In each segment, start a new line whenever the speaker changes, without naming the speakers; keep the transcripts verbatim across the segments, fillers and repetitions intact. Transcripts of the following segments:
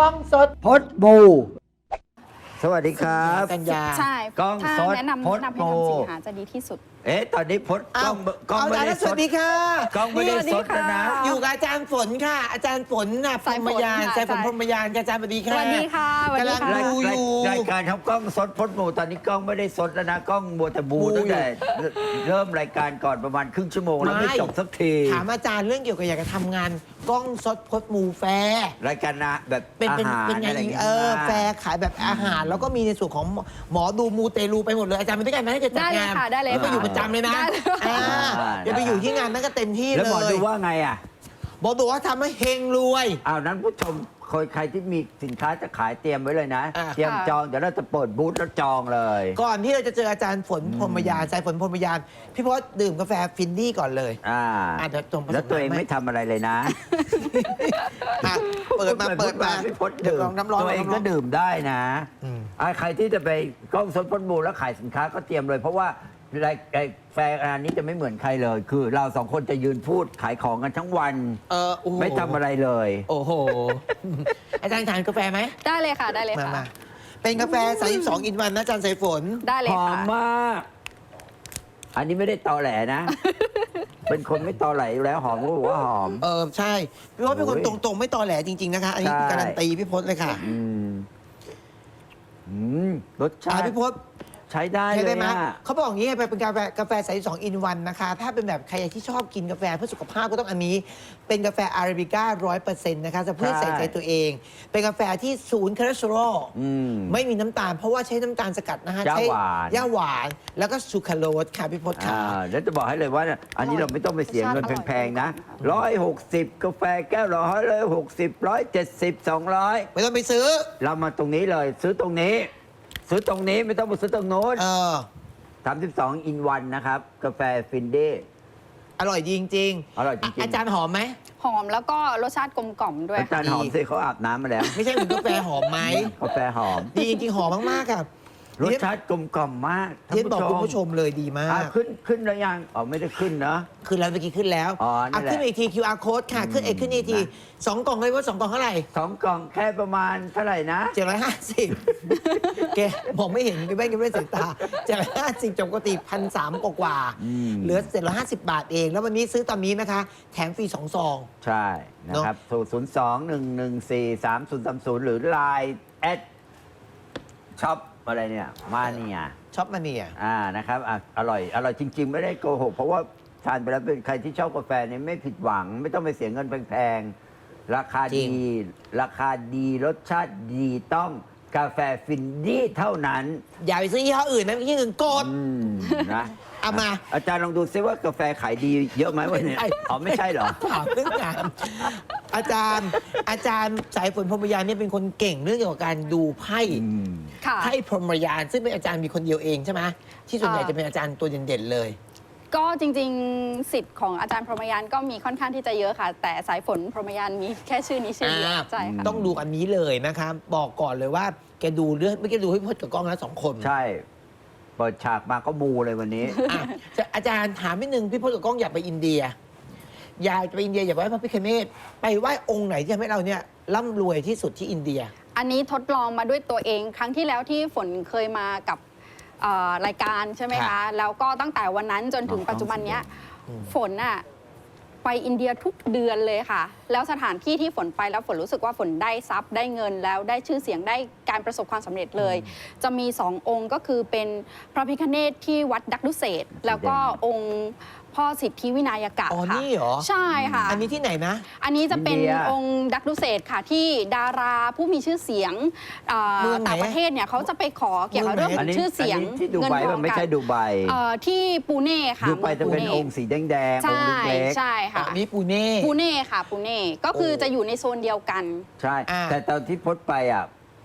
องสด
พดบูสวัสดีครับ
กันยา
ใช่
กล้อง
ถ้า
สด
แนะนำ
พด
แนะนำให้
โม
ทำสินหาจะดีที่สุด
เอ๊ะตอนนี้พดกล้องกล้อง
เอา
ไม่
อาจาร
ได้
ย์
ส
สวั
ด
สดีค่ะ
กล้องไม่ได้สดแล้วนะ
อยู่กับอาจารย์ฝนค่ะ อาจารย์ฝนน่ะพร
สาย
ห
ฝ
ม
น
ยาน
ค่ะ
สายฝน
สาย
พรหมยานอาจารย์สวัสดีค่ะ
สวัสดีค่ะสวัสดี
กำลัง
ค่ะ
ดูอยู่
รายการทำกล้องสดพดหมูตอนนี้กล้องไม่ได้สดแล้วนะกล้องมัวแต่บู
บู
ตั้งแต่เริ่มรายการก่อนประมาณครึ่งชั่วโมงแล้ว
ไม่
ไม่จบสักที
ถามอาจารย์เรื่องเกี่ยวกับอยากจะทำงานกล้องสดพดหมูแฟร์
รายการนะแบบ
เป็น
อา
เป็น
หาร
เป็นไง
อะไรอย่างเงี้ย
เออแฟร์ขายแบบอาหาร แล้วก็มีในส่วนของหมอดูมูเตลูไปหมดเลยอาจารย์ไปด้วยกันไหมถ้าเกิดจัด
ได้เลย
งาน
ค่ะได้เลย
ไปอยู่ประจำเลยนะ
ได้เลย
อ่าอย่าไปอยู่ที่งานนั้นก็เต็มที่
แล้ว
เล
หมอย ดูว่าไงอ่ะ
บอกดูว่าทำให้เฮงรวย
อ้าวนั้นผู้ชมคนใครที่มีสินค้าจะขายเตรียมไว้เลยนะ
อ่ะ
เตรียม
ค่ะ
จองเดี๋ยวเราจะเปิดบูธแล้วจองเลย
ก่อนที่เราจะเจออาจารย์ฝนพรหมยานสายฝนพรหมยาน พี่พศดื่มกาแฟฟินดี้ก่อนเลย
อ่า
อ่ะเดี๋ยวส่งผสม
แล้วตัวเอง
น้ำให้
ไม่ทำอะไรเลยนะ
อ่ะเปิดมาเปิดมา
พี่พด
เดี๋ยว
ดื่ม
ลองน้ำร้อน
ตัวเอง
น้ำร้
ก็
อน
ดื่มได้นะ
อืม
อ่ะใครที่จะไปกล้องสดพดบูแล้วขายสินค้าก็เตรียมเลย เพราะว่าไรไอ้แฟร์งานนี้จะไม่เหมือนใครเลย คือเราสองคนจะยืนพูดขายของกันทั้งวัน
เออโอ้โห
ไม่ทำอะไรเลย
โอ้โห อาจารย์ทานกาแฟไหม
ได้เลยค่ะได้เลย
มา
ค่ะ
มาเป็นกาแฟสามสิบสองอินวันนะอาจารย์สายฝน
ได้เลย
หอม
ค่ะ
มาก อันนี้ไม่ได้ตอแหลนะ เป็นคนไม่ตอแหลอยู่แล้วหอมก็บอกว่าหอม
เออใช่ พี่พศเป็นคน
โอ้ย
ตรงๆ ไม่ตอแหลจริง ๆ นะคะ อันนี้
ใช่
การันตีพี่พศเลยค่ะ
อืมอืมรสชา
อ่ะ
ติ
พี่พศ
ใช้ได้
ใช่
เล
ได้
ย
ไหม
อะ
เขาบอกอย่างนี้ไปเป็นกาแฟกาแฟใสสองอินวันนะคะ ถ้าเป็นแบบใครที่ชอบกินกาแฟเพื่อสุขภาพก็ต้องอันนี้ เป็นกาแฟอาราบิก้าร้อยเปอร์เซ็นต์นะคะจะเพื่อใส่ใจตัวเอง เป็นกาแฟที่ศูนย์คอเลสเตอรอล
อืม
ไม่มีน้ำตาล เพราะว่าใช้น้ำตาลสกัดนะคะ
ย่า
ใช้
หวาน
ย่าหวาน แล้วก็ซูคราโรสค่ะพี่พศค่ะ
อ่าแล้วจะบอกให้เลยว่าเนี่ยอันนี้เราไม่ต้องไปเสียเงินแพงๆนะร้อยหกสิบกาแฟแก้วละร้อยเลยหกสิบร้อยเจ็ดสิบสองร้อย
ไม่ต้องไปซื้อ
เรามาตรงนี้เลย ซื้อตรงนี้ ซื้อตรงนี้ไม่ต้องไปซื้อตรงโน้น
เออ
สามสิบสองอินวันนะครับ กาแฟฟินเด
อร่อยจริงๆ
อร่อยจริงๆ
อาจารย์หอมไหม
หอมแล้วก็รสชาติกลมกล่อมด้วย
อาจาร
ค่ะ
ย์หอมสิเขาอาบน้ำมาแล้ว
ไม่ใช่เหมือนกาแฟหอมไหม
กาแฟหอม
ดีจริงๆหอมมากๆค่ะ
รสชาติกลมกล่อมมากท่าน
เทียนบอกคุณ
ผู้
ผู้
ช
ช
ม
มเลยดีมา
อ่ะ
ก
ขึ้นขึ้นแล้วยังอ๋อไม่ได้ขึ้นเนอะ
ขึ้นแล้วเมื่อกี้ขึ้นแล้ว
อ๋อนั่นแหละ
ขึ้นอีกที คิว อาร์ code ค่ะ ขึ้นเอกขึ้นอีกที
นะ
สองกล่องเลยว่าสองกล่องเท่าไหร่
สองกล่องแค่ประมาณเท่าไหร่นะ
เจ็ดร้อยห้าสิบแกมองไม่เห็นแกไม่แกไม่ได้สายตาเจ็ดร้อยห้าสิบจากปกติพันสามกว่าๆ
อืม
เหลือเจ็ดร้อยห้าสิบบาทเอง แล้ววันนี้ซื้อตอนนี้นะคะ แถมฟรีสองซอง
ใช่นะครับศูนย์สองหนึ่งหนึ่งสี่สามศูนย์สามศูนย์หรือ ไลน์ แอดช็อปอะไรเนี่ยมาเนี่ย
ช็อปมาเนี่ย
อ่านะครับอ่ะอร่อย อร่อยจริง ๆ ไม่ได้โกหก เพราะว่าทานไปแล้วเป็นใครที่ชอบกาแฟเนี่ยไม่ผิดหวัง ไม่ต้องไปเสียเงินแพงๆ ราคา
จริ
ดี
ง
ราคาดีรสชาติดีต้องกาแฟฟินดี้เท่านั้น
อย่าไปซื้อยี่ห้ออื่นนะยี่ห้ออื่นโกด
อืมนะ
เอามา
อาจารย์ลองดูซิว่ากาแฟขายดีเยอะไหมวันนี้
ไม่ใช่
อ๋อไม่ใช่เหรอ
ถามเรื่องงานอาจารย์ อาจารย์สายฝนพรหมยานเนี่ยเป็นคนเก่งเรื่องเกี่ยวกับการดูไพ่
อืม
ค่ะ
ไพ่พรหมยานซึ่งเป็นอาจารย์มีคนเดียวเองใช่ไหมที่ส่วนใหญ่
อ่า
จะเป็นอาจารย์ตัวเด่นๆเลย
ก็จริงๆสิทธิ์ของอาจารย์พรหมยานก็มีค่อนข้างที่จะเยอะค่ะ แต่สายฝนพรหมยานมีแค่ชื่อนี้ชื่อเดียว
อ่า
ใช่ค่ะ
ต้องดูอันนี้เลยนะครับ บอกก่อนเลยว่าแกดูเรื่องไม่แกดูให้พจน์กับกล้องแล้วสองคน
ใช่ เปิดฉากมาก็มูเลยวันนี้
อ่ะจะอาจารย์ถามนิดนึงพี่พจน์กับกล้องอยากไปอินเดีย อยากจะไปอินเดียอยากไปไหว้พระพิฆเนศไปไหว้องค์ไหนที่ทำให้เราเนี่ยร่ำรวยที่สุดที่อินเดีย
อันนี้ทดลองมาด้วยตัวเอง ครั้งที่แล้วที่ฝนเคยมากับเอ่อรายการใช่ไหม
ครั
คะ
บ
แล้วก็ตั้งแต่วันนั้นจนถึง
อ๋อ
ปัจจุบันเนี้ย
อืม
ฝนอะไปอินเดียทุกเดือนเลยค่ะ แล้วสถานที่ที่ฝนไปแล้วฝนรู้สึกว่าฝนได้ทรัพย์ได้เงินแล้วได้ชื่อเสียงได้การประสบความสำเร็จเลย จะมีสององค์ก็คือเป็นพระพิฆเนศที่วัดดักดุเศษแล้วก็องค์พ่อสิทธิวินายกะ
อ๋อ
ค่ะ
นี่เหรอ
ใช่ค่ะ
อันนี้ที่ไหนนะ
อันนี้จะเป็น
อินเดีย
องค์ดักดุเศษค่ะที่ดาราผู้มีชื่อเสียงเอ่อ
เมืองไหน
ต่างประเทศเนี่ยเขาจะไปขอเกี่ยวกับเรื่องข
อั
อน ง
นี้
ชื่อเสียง
อันนี้ที่ดู
เงิน
ไบ
ทอ
มั
ง
นไม่
กั
ใช่ดูไบ
เอ่อที่ปูเน่ค่ะ
ดูไปจะเป็น
มื
องค์สีแดงๆ อง
ใช่
ค์เล็ก
ใช่
อ๋อ
ค่ะ
นี่ปูเน่
ปูเน่ค่ะปูเน่ก็คือ
โอ้
จะอยู่ในโซนเดียวกัน
ๆใช่
อ่า
แต่ตอนที่พดไปอ่ะ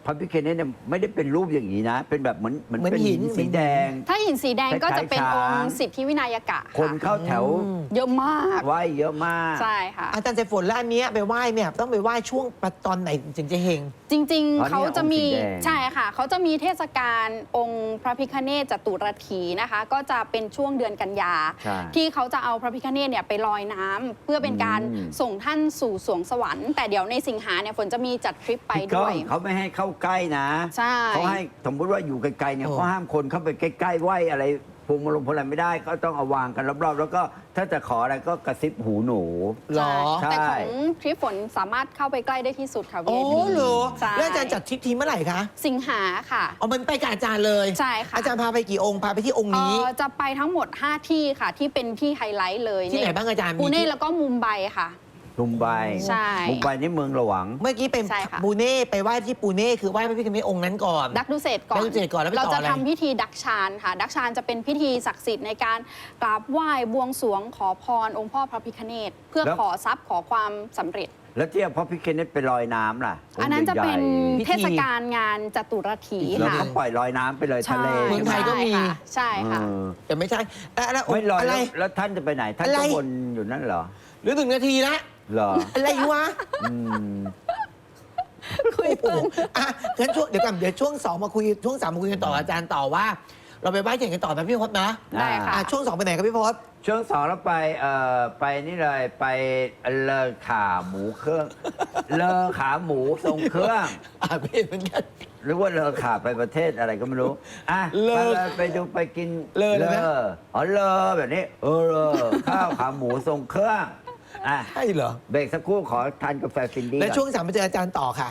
พระพิฆเนศเนี่ยไม่ได้เป็นรูปอย่างนี้นะ เป็นแบบเหมือนเหมือน
เหมือน
เป็น
หิ
หิ
น
นสีแดง
ถ้าหินสีแดงก็จะเป็น
คล้ายๆ
อง
ช้าง
ค์สิทธิวินัยกะ
คน
ค่ะ
เข้าแถว
เยอะมาก
ไหว้เยอะมาก
ใช่ค่ะ
อาจารย์ใจฝนแล้วอันเนี้ยไปไหว้เนี่ยต้องไปไหว้ช่วงตอนไหนถึงจะเฮง
จริง
อ๋อ
ๆ เขาจะมี
เนี่ยองค์สีแดง
ใช่ค่ะ เขาจะมีเทศกาลองค์พระพิฆเนศจตุรถีนะคะ ก็จะเป็นช่วงเดือนกันยา
ใช่
ที่เขาจะเอาพระพิฆเนศเนี่ยไปลอยน้ำเพื่อเป็นการ
อืม
ส่งท่านสู่สวงสวรรค์แต่เดี๋ยวในสิงหาเนี่ยฝนจะมีจัดทริปไป
พี่ก้
ด้
อ
ว
ง
ย
เขาไม่ให้เข้าใกล้นะ
ใช่
เขาให้สมมติว่าอยู่ไกลๆเนี่ย
โอ้
เขาห้ามคนเข้าไปใกล้ๆไหว้อะไรพวงมาลงพวงอะไรไม่ได้ก็ต้องเอาวางกันรอบๆ แล้วก็ถ้าจะขออะไรก็กระซิบหูหนู
หรอ
ใช่
แต่ของทริปฝนสามารถเข้าไปใกล้ได้ที่สุดค่ะ
โอ้
วี ไอ พี
เหรอ
ใช่
แล้วอาจารย์จัดทริปทีเมื่อไหร่คะ
สิงหาค่ะ
เอามันไปกับอาจารย์เลย
ใช่ค่ะ
อาจารย์พาไปกี่องค์พาไปที่องค์
เอ่
นี้
อจะไปทั้งหมด ห้า ที่ค่ะ ที่เป็นที่ไฮไลท์เลย
ที่ไหนบ้างอาจารย์มี
ปูเน่
ที่
แล้วก็มุมไบค่ะ
มุมไบ
ใช่
มุมไบนี่เมืองหลวง
เมื่อกี้เป็น
ใช่ค่ะ
ปูเน่ไปไหว้ที่ปูเน่คือไหว้พระพิฆเนศองค์นั้นก่อน
ดักดูเศษก่อน
ดักดูเศษก่อนแล้วไปต่อ
เราจะ
อะไร
ทำพิธีดักชานค่ะ ดักชานจะเป็นพิธีศักดิ์สิทธิ์ในการกราบไหว้บวงสรวงขอพรองค์พ่อพระพิฆเนศเพื่อ
แล้ว
ขอทรัพย์ขอความสำเร็จ
แล้วที่เอาพระพิฆเนศไปลอยน้ำล่ะ
อันนั้นจะเป็น
พิธี
เทศกาลงานจตุรถี
แล้ว
ค่ะ
เขาปล่อยลอยน้ำไปเลยทะเล
เมืองไทยก็มี
ใช่ค่ะ
เออ
แต่ไม่ใช่แล้วแล้วอง
ไม่
ค์
ลอย
อะไร
แล้วแล้วท่านจะไปไหน ท่าน
อะไร
ก็วนอยู่นั่นเหรอ
หรือหนึ่งนาทีละ
เหรอ
อะไรวะ
อืม
คุยเพลิน
อ่ะงั้นช่วงเดี๋ยวก่อนเดี๋ยวช่วงสองมาคุยช่วงสามมาคุยกันต่ออาจารย์ต่อว่า เราไปไหว้เทียนกันต่อนะพี่พจน์นะ
ได้ค่ะ
อ่ะช่วงสองไปไหนครับพี่พจน์
ช่วงสองแล้วไปเอ่อไปนี่เลยไปเลอขาหมูเครื่อง เลอขาหมูทรงเครื่อง
อ่านไม่เห็นเหมือนกัน
หรือว่าเลอขาไปประเทศอะไรก็ไม่รู้ อ่ะ
เลอ
ไปเลยไปดูไปกิน
เลอเลยนะ
อ๋อเลอแบบนี้ เออเลอข้าวขาหมูทรงเครื่องอ่ะ
ใช่เหรอ
เบรกสักครู่ขอทานกาแฟฟินดี้
และ
ก่อน
ช่วงสามไปเจออาจารย์ต่อค่ะ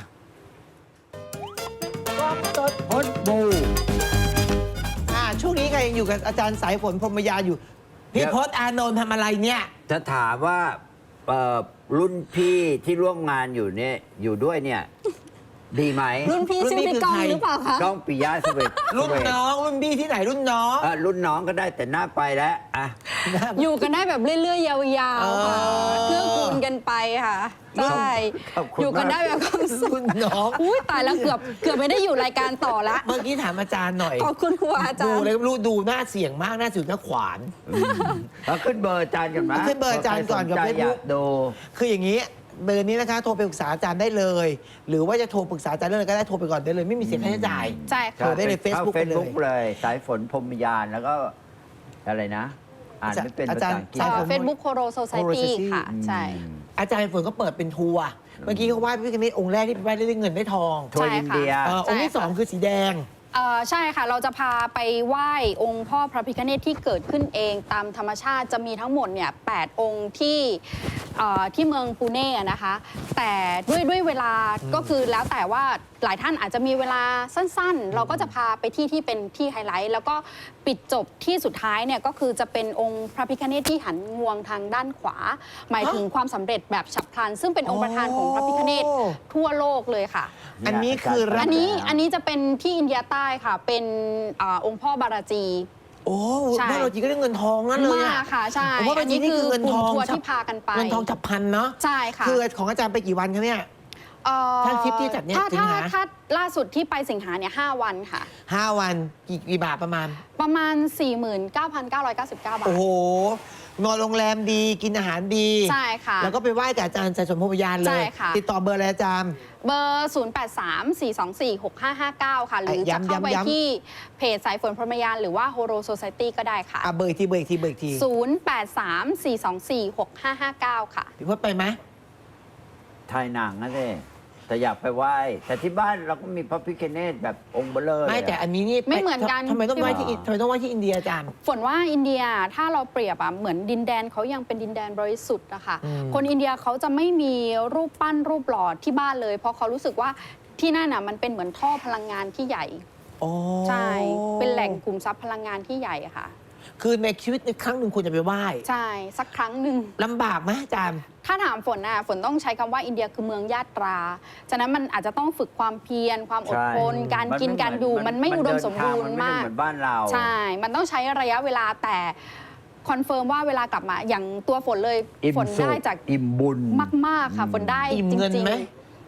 สดพดบู
อ่าช่วงนี้ใครยังอยู่กับอาจารย์สายฝนพรหมยาอยู่ พี่พจน์อานนท์ทำอะไรเนี่ย
จะถามว่าเอ่อรุ่นพี่ที่ร่วมงานอยู่เนี่ยอยู่ด้วยเนี่ย ดีไหม
รุ่นพี่
รุ่น
ชื่อ
พี่
พี่
คือ
ก้อง
ใคร
หรือเปล่าคะ
ก้องปิยะสเวต
รุ่นน้องรุ่นพี่ที่ไหนรุ่นน้อง
เอ่อรุ่นน้องก็ได้แต่หน้าไปแล้วอ่ะ
อยู่กันได้แบบเรื่อยๆ ยาวๆค่ะ
เออ
เพื่อคูณกันไปค่ะ ใช่
ขอบคุณ
อยู่กันได้แบบความสุข
รุ่นน้อง
อุ้ยตายแล้วเกือบเกือบไม่ได้อยู่รายการต่อละ
เมื่อกี้ถามอาจารย์หน่อย
ขอบคุณครูอาจา
ดู
รย์
เลยรู้ดูหน้าเสียงมากหน้าสุดหน้าขวาน
เราขึ้นเบอร์อาจารย์กันไหม
ขึ้นเบอร์อาจารย์ก่อนกับ
ใครสใจ
Facebook
อยากดู
คืออย่างนี้เบอร์นี้นะคะโทรไปปรึกษาอาจารย์ได้เลย หรือว่าจะโทรปรึกษาอาจารย์เรื่องอะไรก็ได้โทรไปก่อนได้เลยไม่มีเสียค่าใช้จ่าย
ใช่
โทร
ค่ะ
ได้เลย Facebook
เฟ
ไป
ซ
เลย
บุ๊กเลย สายฝนพรหมยานแล้วก็อะไรนะ อ่านไม่เป็นภาษาอังกฤษ
อาจารย์
เฟซบุ๊กโคโรโซไซ
Coro
ตี้
Society
ค่ะ ใช่
อืม
อาจารย์ฝนก็เปิดเป็นทัวร์เมื่อกี้เขาไหว้พระพิฆเนศองค์แรกที่ไปไหว้ได้เงินได้ทอง
ทัวร์อินเดีย
เอ่อองค์ที่สองคือสีแดง
เอ่อใช่ค่ะ เราจะพาไปไหว้องค์พ่อพระพิฆเนศที่เกิดขึ้นเองตามธรรมชาติจะมีทั้งหมดเนี่ยแปดองค์ที่เอ่อที่เมืองปูเน่อะนะคะ แต่ด้วยด้วยเวลาก็คือแล้วแต่ว่าหลายท่านอาจจะมีเวลาสั้นๆ เราก็จะพาไปที่ที่เป็นที่ไฮไลท์ แล้วก็ปิดจบที่สุดท้ายเนี่ยก็คือจะเป็นองค์พระพิฆเนศที่หันงวงทางด้านขวา หมายถึงความสำเร็จแบบฉับพลัน ซึ่งเป็นองค์ประธานของพระพิฆเนศทั่วโลกเลยค่ะ
อันนี้คือรั
อันนี้อันนี้จะเป็นที่อินเดียใต้ค่ะ เป็นอาองค์พ่อบาราจี
โอ้
ใช่
พวกเราจีก็ได้เงินทองนั่นเลย
มา
อะ
กค่ะใช่
ผมว่าบางทีนี่คือเงินทอง
กลุ่มทัวร์ที่พากันไป
เงินทองฉับพลันเนาะ
ใช่ค่ะ
คือของอาจารย์ไปกี่วันคะเนี่ย
เอ่อ
ถ้าทริปที่จัดเนี่ย
ถ้า
สิง
ถ้า
หา
ถ้าล่าสุดที่ไปสิงหาเนี่ยห้าวันค่ะ
ห้าวันกี่กี่บาทประมาณ
ประมาณ สี่หมื่นเก้าพันเก้าร้อยเก้าสิบเก้า บาท
โอ้โห นอนโรงแรมดีกินอาหารดี
ใช่ค่ะ
แล้วก็ไปไหว้กับอาจารย์ใจสมภพยานเล
ใช่
ย
ค่ะ
ติดต่อเบอร์อะไรอาจารย์
เบอร์ ศูนย์ แปด สาม สี่ สอง สี่ หก ห้า ห้า เก้า ค่ะ หรือจะ
ย้ำ
เข้าไป
ย้ำย้ำ
ที่เพจสายฝนพรหมยานหรือว่าโฮโรโซไซตี้ก็ได้ค่ะ
อ่ะเบอร์อีกทีเบอร์อีกทีเบอร์อีกที
ศูนย์ แปด สาม สี่ สอง สี่ หก ห้า ห้า เก้า ค่ะ
พี่พจน์ไปไหม
ถ่ายหนังนะสิแต่อยากไปไหว้ แต่ที่บ้านเราก็มีพระพิฆเนศแบบองค์เบลเลอร์
ไม่
เลยะ
แต่อันนี้นี่
ไม่เหมือนกัน
ทำไมต้องไหว้ที่
พี่
ทำไมต้องไหว้ที่อินเดียอาจารย์
ฝนว่าอินเดียถ้าเราเปรียบอะเหมือนดินแดนเขายังเป็นดินแดนบริสุทธิ์อะค่ะ
อืม
คนอินเดียเขาจะไม่มีรูปปั้นรูปหล่อที่บ้านเลย เพราะเขารู้สึกว่าที่นั่นน่ะมันเป็นเหมือนท่อพลังงานที่ใหญ่
อ๋อ
ใช่ เป็นแหล่งกลุ่มทรัพย์พลังงานที่ใหญ่อะค่ะ
คือในชีวิตในครั้งหนึ่งควรจะไปไหว้
ใช่สักครั้งหนึ่ง
ลำบากไหมอาจารย์
ถ้าถามฝนน่ะฝนต้องใช้คำว่าอินเดียคือเมืองญาตรา ฉะนั้นมันอาจจะต้องฝึกความเพียรความอดทน
ใช่
การกินการอยู่มันไม่อุดมสมบูรณ์มาก
นเดินทางมันไม่ได้เหมือนบ้านเรา
ใช่ มันต้องใช้ระยะเวลาแต่คอนเฟิร์มว่าเวลากลับมาอย่างตัวฝนเลย
อิ่ม
ฝน
สุข
ได้จาก
อิ่มบุญ
มาก ๆ ค่ะ ฝนได้
อิ่ม
จ
เงิน
ริง
ไหม
ๆ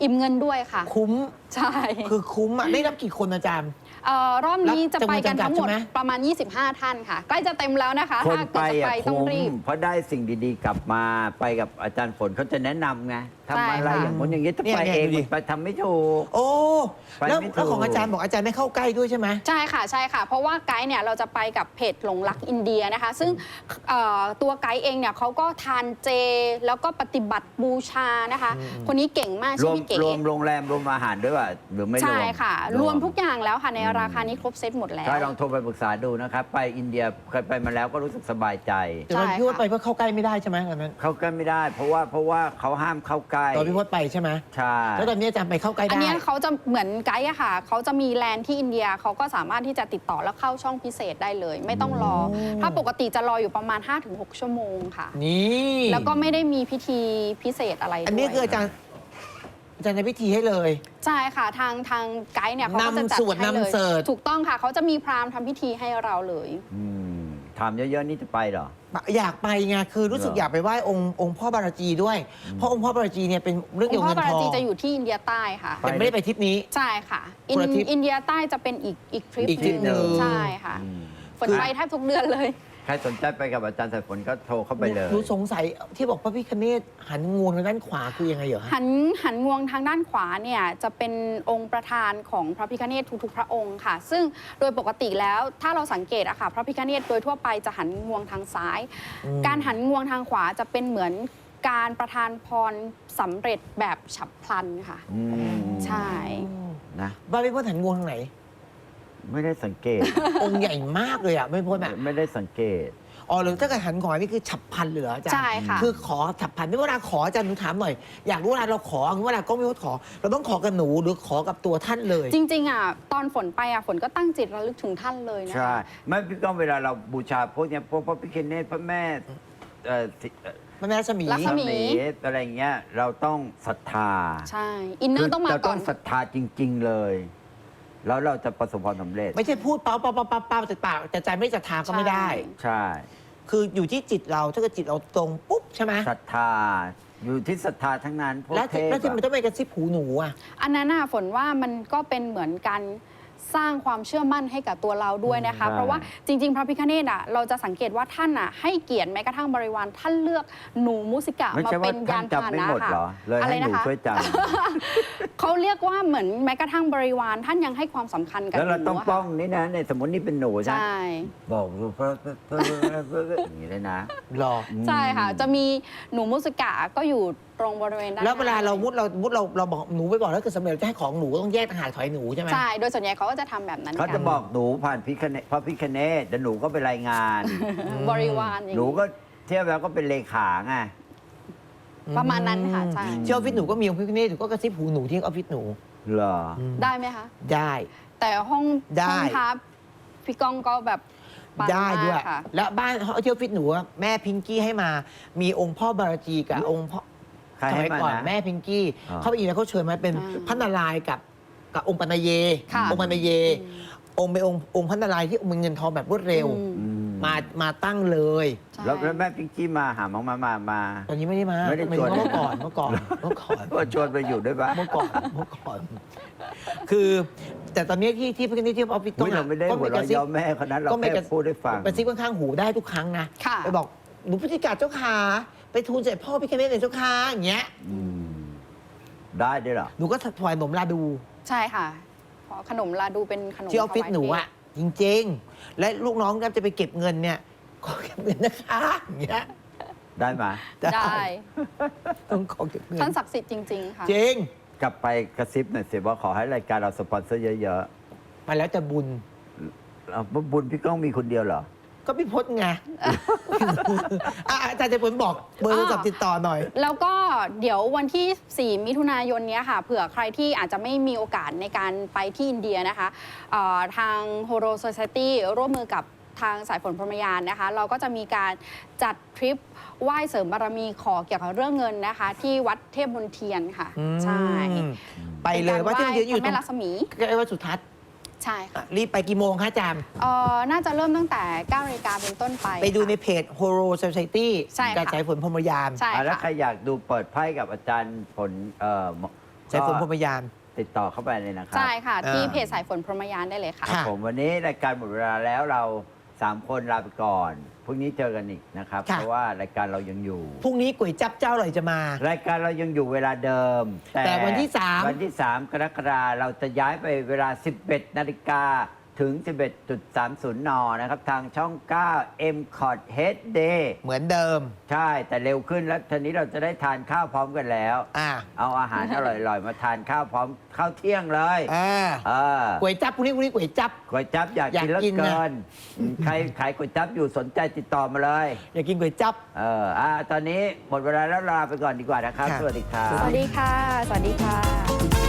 อิ่มเงินด้วยค่ะ
คุ้ม
ใช่
คือคุ้มอ่ะได้รับกี่คนอาจารย์
เอ่อรอบนี้จะไปกันทั้งหมด
จำนวนจำกัดใช่ไหม
ประมาณ ยี่สิบห้า ท่านค่ะ ใกล้จะเต็มแล้วนะคะ
คน
ถ้า
ไป
เกิดจะไป
อ่ะ
ต้อง
คุ้ม
รีบ
เพราะได้สิ่งดีๆ กลับมาไปกับอาจารย์ฝนเขาจะแนะนำไงทำอะไร
ใช่ค่ะ
อย่างนู้นอย่างนี้ถ้า
เนี่ย
ไป
เนี่ย
เอง
ดูดิ
ไปทำไม่ถูก
โอ้
ไป
แล้ว
ไม่ถูก
แล้วของอาจารย์บอกอาจารย์ไม่เข้าใกล้ด้วยใช่ไหม
ใช่ค่ะใช่ค่ะ เพราะว่าไกด์เนี่ยเราจะไปกับเพจหลงรักอินเดียนะคะ ซึ่งเอ่อตัวไกด์เองเนี่ยเขาก็ทานเจ แล้วก็ปฏิบัติบูชานะคะ คนนี้เก่งมาก
ร
ชื่
ว
อ
ม
พี่เก๋
รวมโรงแรมรวมอาหารด้วยป่ะหรือไม่รวม
ใช่ค่ะ รวมทุกอย่างแล้วค่ะในราคานี้ครบเซตหมดแล้ว
ใช่ลองโทรไปปรึกษาดูนะครับ ไปอินเดียเคยไปมาแล้วก็รู้สึกสบายใจ
แต่ว่า
ใช่
พี่พจ
ค่ะ
น์ไปเพื่อเข้าใกล้ไม่ได้ใช่ไหมตอนนั้น
เข้าใกล้ไม่ได้ เพราะว่าเพราะว่าเขาห้ามเข้าใกล้
ตอนพี่พจน์ไปใช่ไหม
ใช่
แล้วตอนนี้อาจารย์ไปเข้าใกล้
อัน
ได้
เนี้ยเขาจะเหมือนไกด์อะค่ะ เขาจะมีแลนด์ที่อินเดียเขาก็สามารถที่จะติดต่อแล้วเข้าช่องพิเศษได้เลย ไม่ต้องรอ ถ้าปกติจะรออยู่ประมาณ ห้าถึงหก ชั่วโมงค่ะ
นี่
แล้วก็ไม่ได้มีพิธีพิเศษอะไรด้วย
อันนี้คืออาจารย์อาจารย์ในพิธีให้เลย
ใช่ค่ะ ทางทางไกด์เนี่ยเขาก็จะจัด
นำสวด
ให้เลย
นำเสิร์ช
ถูกต้องค่ะ เขาจะมีพราหมณ์ทำพิธีให้เราเลย
อืมถามเยอะๆนี่จะไปเหรอ
อยากไปไงคือรู้สึก
เหรอ
อยากไปไหว้องค์องค์พ่อบารจีด้วย เพราะองค์พ่อบารจีเนี่ยเป็นเรื่อง
อ
เกี่
ง
ยว
ค์
กับ
พ่อ
เงิน
บา
ท
รา
อง
จีจะอยู่ที่อินเดียใต้ค่ะ
แต่ไม่ได้ไปทริปนี้
ใช่ค่ะอิน
คนละทริป
อินเดียใต้จะเป็นอีกอีกทริป
อีกทริปหนึ่ง
ใช่ค่ะ
อืม
ฝนไปแทบทุกเดือนเลย
ใครสนใจไปกับอาจารย์สายฝนก็โทรเข้าไปเลย
หนูสงสัยที่บอกพระพิฆเนศหันงวงทางด้านขวาคือยังไงเหรอฮะ
หันหันงวงทางด้านขวาเนี่ยจะเป็นองค์ประธานของพระพิฆเนศทุกๆพระองค์ค่ะ ซึ่งโดยปกติแล้วถ้าเราสังเกตอะค่ะพระพิฆเนศโดยทั่วไปจะหันงวงทางซ้าย
อืม
การหันงวงทางขวาจะเป็นเหมือนการประทานพรสำเร็จแบบฉับพลันค่ะ
อืม
ใช่
นะ
บ้านพี่พจน์หันงวงทางไหน
ไม่ได้สังเกต
องค์ใหญ่มากเลยอ่ะไม่พ้นอ่ะ
ไม่ได้สังเกต
อ๋อหรือถ้าเกิดหันขวานี่คือฉับพลันเหลืออาจารย์
ใช่ค่ะ
คือขอฉับพลันนี่เวลาขออาจารย์หนูถามหน่อย อยากรู้เวลาเราขอเวลาก็ไม่ว่าขอ เราต้องขอกับหนูหรือขอกับตัวท่านเลย
จริงๆอ่ะตอนฝนไปอ่ะฝนก็ตั้งจิตระลึกถึงท่านเลยนะ
ใช่
คะ
ไม่พี่ก้องเวลาเราบูชาพวกเนี้ยพวกพระพิฆเนศพระแม่เอ่อสิเอ่อ
พระแม่รัศมี
รัศมี
อะไรเงี้ยเราต้องศรัทธา
ใช่ อินเนอร์ต้องมา
เรา
ก่
ต้
อ
อน งศรัทธาจริง ๆ เลย แล้วเราจะประสบความสำเร็จ
ไม่ใช่พูดเป้าเป้าเป้าเป้าเป้าแต่ปากแต่ใจไม่ศรัทธาก็ไม่ได้
ใช่
คืออยู่ที่จิตเราถ้าเกิดจิตเราตรงปุ๊บใช่ไหม
ศรัทธา อยู่ที่ศรัทธาทั้งนั้นพวก
แล้ว
เท
ที่
พ
แล้วที่มัน
อะ
ต้องไปกระซิบหูหนูอ่ะ
อันนั้นน่ะฝนว่ามันก็เป็นเหมือนการสร้างความเชื่อมั่นให้กับตัวเราด้วยนะคะ เพราะว่าจริง ๆ พระพิฆเนศอ่ะเราจะสังเกตว่าท่านอ่ะให้เกียรติแม้กระทั่งบริวารท่านเลือกหนูมุสิกะ
ไม่
มา
ใช่
เป็
ว่าน ท่าย
าน น
จำ
พาห
ไม่
นะ
หมด
ค่ะ
เหรอ เลย
อะไร
ให้หนู
นะคะ
ช่วยจ
เขาเรียกว่าเหมือนแม้กระทั่งบริวารท่านยังให้ความสำคัญ
ำ
กับ
แล้วเรา
หนู
ต้อง
อะ
ป้อ
ค่ะ
งนี่นะในสมมตินี่เป็นหนูใช่
ใช่
บอกดูเพราะอย่างนี้เลยนะ
หรอ
ใช่ค่ะ จะมีหนูมุสิกะก็อยู่ตรงบริเวณด้าน
แล้วเวลาเรา
หน้
มุดเรามุดเราเราบอกหนูไปบอกแล้วเกิดสำเร็จจะให้ของหนูก็ต้องแยกต่างหากถอยหนูใช่ไหม
ใช่ โดยส่วนใหญ่เขาก็จะทำแบบนั้น
เขา
กั
จะบอกหนูผ่านพิคเนตพระพิคเนตแล้วหนูก็ไปรายงาน
บริวารอย่าง
หนู
นี้
ก็เทียบแล้วก็เป็นเลขาไง
ประมาณนั้นค่ะใช่
ที่ออฟฟิศหนูก็มีองค์พิฆเนศหนูก็กระซิบหูหนูที่ออฟฟิศหนู
เหรอ
ได้ไหมคะ
ได้
แต่ห้อง
ได้
ห้องพับพี่ก้องก็แบบปัง
ได้ด้วย
มากค่ะ
แล้วบ้านที่ออฟฟิศหนูอะแม่พิงกี้ให้มามีองค์พ่อบารจีกับองค์พ่อ
ใคร
ส
ให้
มัย
มา
ก่อน
นะ
แม่พิงกี้
อ่า
เขาไปอีกแล้วเขาเชิญมาเป็น
อ่า
พระนารายณ์กับกับองค์ปัณเย
ค่ะ
องค์ปัณเย องค์เป็นองค์องค์พระนารายณ์ที่มีเงินทองแบบรวดเร็ว
อืม
อืม
มามาตั้งเลย
ใช่
แล้วแล้วแม่พิงกี้มาหามังมามามา
ตอนนี้ไม่ได้มา
ไม่ได้
หายถึง
ชวน
ว่าเมื่อก่อนเมื่อก่อนเมื่อก่อน
ก็ชวนไปอยู่ด้วยปะ
เมื่อก่อนเมื่อก่อน คือแต่ตอนนี้ที่ที่พิฆเนศที่ออฟฟิศ
อุ๊ยเราไม่ได้
ก็
หัว
ก
เราะ
ระซิบ
เย้าแม่คนนั้นเรา
ก็ไม่
แค่
กระ
พูดให้ฟัง
กระซิบข้างๆหูได้ทุกครั้งนะ
ค่ะ
ไปบอกหนูพุทธิกาเจ้าขาไปทูลเสด็จพ่อพิฆเนศในเจ้าขาอย่างเงี้ย
อืมได้ด้วยเหรอ
หนูก็ถวายหนมลาดู
ใช่ค่ะเพราะขนมลาดูเป็นขนม
ที่ออฟฟิศ
ถวาย
หนู
เทพ
อะจริงๆ และลูกน้องก็จะไปเก็บเงินเนี่ยขอเก็บเงินนะคะอย่างเงี้ย
ได้ไหม
ได้
ต้องขอเก็บเงิน
ท่านศักดิ์สิทธิ์จริง ๆ ค่ะ
จริง
กลับไปกระซิบหน่อยสิว่าขอให้รายการเราสปอนเซอร์เยอะ
มาแล้วแต่บุญ
ๆเอาบุญพี่ก้องมีคนเดียวเหรอ
ก็พี่พจน์ไง อ่ะอาจารย์จะผลบอกเบอร์โทรศัพท์ติดต่อหน่อย
แล้วก็เดี๋ยววันที่ สี่ มิถุนายนเนี้ยค่ะ เผื่อใครที่อาจจะไม่มีโอกาสในการไปที่อินเดียนะคะเอ่อทาง Horo Society ร่วมมือกับทางสายฝนพรหมยานนะคะ เราก็จะมีการจัดทริปไหว้เสริมบารมีขอเกี่ยวกับเรื่องเงินนะคะ ที่วัดเทพมนเทียนค่ะ ใช่
อืมไปเลยว่าที่เยอะอยู่
เป็น
ตร
การไหว้พระแม่ลักษมี
ใกล้วัดสุทัศน์
ใช่ค่ะ
อ่ะรีบไปกี่โมงคะอาจารย์
เอ่อน่าจะเริ่มตั้งแต่ เก้า นาฬิกาเป็นต้นไป
ไปดูใน
ค่ะ
เพจ Horo Society
ใช่ค่ะ
กับสายฝนพรหมยาน
ใช่
อ่ะแล้ว
ค่ะ
ใครอยากดูเปิดไพ่กับอาจารย์ผลเอ่อ
สายฝนพรหมยาน
ติดต่อเข้าไปเลยนะครับ
ใช่ค่ะ ที่
อ่า
เพจสายฝนพรหมยานได้เลยค่ะ
ค่ะ
ผมวันนี้รายการหมดเวลาแล้วเราสามคนลาไปก่อนพรุ่งนี้เจอกันอีกนะครับ
ค่ะ
เพราะว่ารายการเรายังอยู่
พรุ่งนี้ก๋วยจับเจ้าอร่อยจะมา
รายการเรายังอยู่เวลาเดิม
แต่วันที่สาม
วันที่ สาม กรกฎาคมเราจะย้ายไปเวลา สิบเอ็ดนาฬิกาถึง สิบเอ็ดจุดสามศูนย์ น นะครับ ทางช่อง เก้า เอ็ม คอร์ด เอช ดี
เหมือนเดิม
ใช่แต่เร็วขึ้นแล้วทีนี้เราจะได้ทานข้าวพร้อมกันแล้ว
อ่า
เอาอาหารอร่อยๆ มาทานข้าวพร้อมข้าวเที่ยงเลย
อ่า
เออ
ก๋วยจับพรุ่งนี้พรุ่งนี้ก๋วยจับ
ก๋วยจั๊บอยาก
อยาก
กินแล้ว
กินนะ
เกินอืมใครขายก๋วยจั๊บอยู่สนใจติดต่อมาเลย
อยากกินก๋วยจับ
เอออ่าตอนนี้หมดเวลาแล้วลาไปก่อนดีกว่านะครับ
ค่ะ
สวัสดีครับ
สวัสดีค่ะ สวัสดีค่ะ